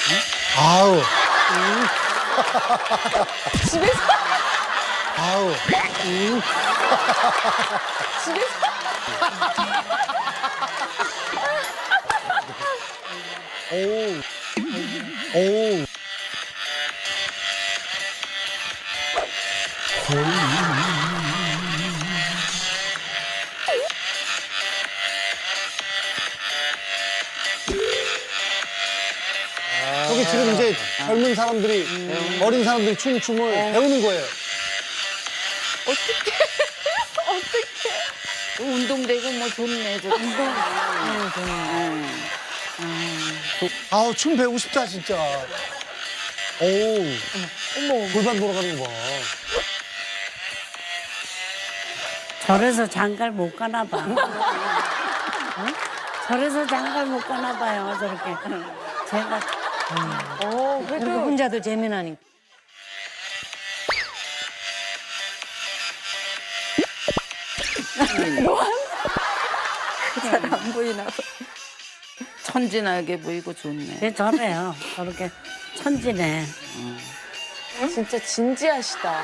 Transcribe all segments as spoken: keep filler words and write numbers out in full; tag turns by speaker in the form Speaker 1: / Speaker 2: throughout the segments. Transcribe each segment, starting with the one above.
Speaker 1: 아우.
Speaker 2: 집에서?
Speaker 1: 아우.
Speaker 2: 집에서?
Speaker 1: 오. 오. 저기 지금 이제 젊은 사람들이, 어린 사람들이 춤, 춤을 배우는 거예요.
Speaker 2: 어떡해. 어떡해.
Speaker 3: 운동되고 뭐 좋네. 저 운동. 응, 좋네.
Speaker 1: 아우, 춤 배우고 싶다, 진짜. 오.
Speaker 2: 어머.
Speaker 1: 골반 돌아가는 거 봐.
Speaker 4: 저래서 장가를 못 가나 봐. 어? 저래서 장가를 못 가나 봐요, 저렇게. 제가
Speaker 2: 어,
Speaker 4: 그렇게
Speaker 2: 그래도.
Speaker 4: 혼자도 재미나니까.
Speaker 3: 잘 안 보이나 봐. 천진하게 보이고 좋네.
Speaker 4: 걔 저래요. 저렇게 천지네.
Speaker 2: 진짜 진지하시다.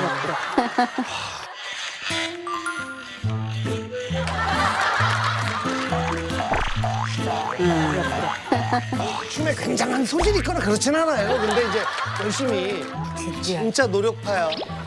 Speaker 1: 춤에 굉장한 소질이 있거나 그렇진 않아요. 근데 이제 열심히 진짜 노력파야.